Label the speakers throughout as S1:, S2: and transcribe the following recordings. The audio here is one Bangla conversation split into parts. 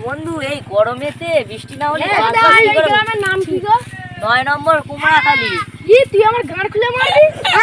S1: বন্ধু এই গরমেতে বৃষ্টি না হলে
S2: গ্রামের নাম কি গো?
S1: 9 নম্বর কুমড়াখালি।
S2: তুই আমার গাঁড় খুলে মারবি?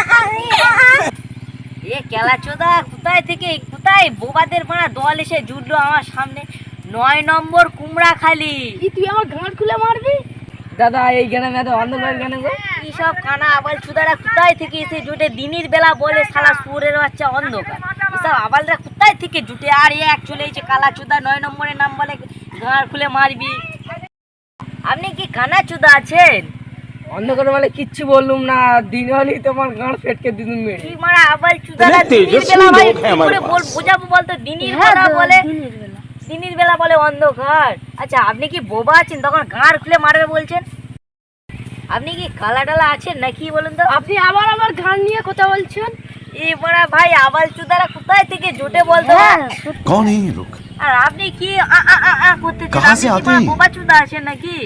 S1: এ কেলাচোদা কোথায় বোবাদের মারা দল এসে জুটলো আমার সামনে। 9 নম্বর কুমড়াখালি।
S2: তুই আমার গাঁড় খুলে মারবি?
S3: দাদা এই গ্রামে এত অন্ধকার কেন গো?
S1: কি সব কানা আবাল চুদারা কোথায় থেকে এসে জুটে? দিনের বেলা বলে শালা সুরের বাচ্চা অন্ধকার। এসব আবালরা কোথায় থেকে জুটে? আর এ এক চলে এসে কালা চুদা 9 নম্বরের নাম বলে গাঁড় খুলে মারবি। আপনি কি কানা চুদা আছেন?
S3: অন্ধকার বলে কিচ্ছু বললুম না, দিন হলেই তোমার গাঁড় ফেটকে দিতুম মেরে।
S1: কি মারা আবাল চুদারা দিনের বেলা ভাই কি করে বোঝাবো বলতো? দিনের বেলা বলে দিনের বেলা বলে অন্ধকার। আচ্ছা আপনি কি বোবা আছেন তখন গাঁড় খুলে মারবে বলছেন? আপনি কি কালা টালা আছেন নাকি বলুন তো?
S2: আপনি আবার আমার গাঁড় নিয়ে কথা বলছেন?
S1: এই বড়া ভাই আবাল চুদারা কোথায় থেকে জোটে বলতো?
S4: कौन है ये लोग?
S1: আর আপনি কি করতেছেন?
S4: कहाँ से
S1: আপনি
S4: आते
S1: কি
S4: हैं?
S1: বোবা চুদা আছেন নাকি?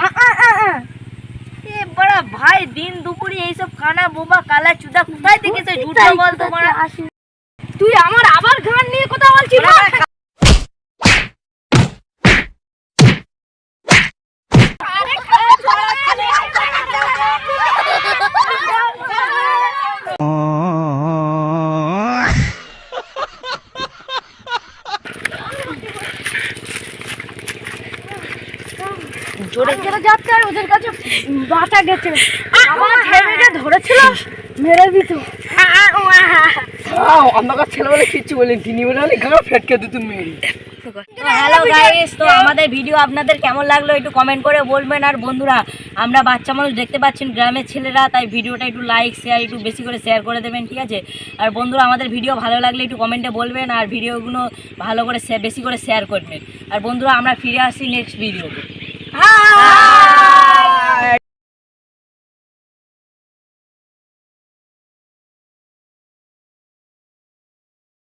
S1: এ বড়া ভাই দিন দুপুরে এইসব কানা বোবা কালা চুদা কোথায় থেকে সে জুটে বলতো? বড়া
S2: তুই আমার আবার গাঁড় নিয়ে কথা বলছিস?
S1: জোরে
S2: চলে যাচ্ছে আর ওদের কাছে বাঁচা গেছে। আমার ছেলেটা ধরেছিল মেরে দিত।
S3: অন্ধকার ছেলে বলে কিচ্ছু বলেন, তিনি বলে গাঁড় ফেটকে দিতুম মেরে।
S1: হ্যালো গাইস, তো আমাদের ভিডিও আপনাদের কেমন লাগলো একটু কমেন্ট করে বলবেন। আর বন্ধুরা আমরা বাচ্চা মানুষ দেখতে পাচ্ছেন গ্রামের ছেলেরা, তাই ভিডিওটা একটু লাইক শেয়ার একটু বেশি করে শেয়ার করে দেবেন, ঠিক আছে? আর বন্ধুরা আমাদের ভিডিও ভালো লাগলে একটু কমেন্টে বলবেন আর ভিডিওগুলো ভালো করে বেশি করে শেয়ার করবেন। আর বন্ধুরা আমরা ফিরে আসছি নেক্সট ভিডিওতে।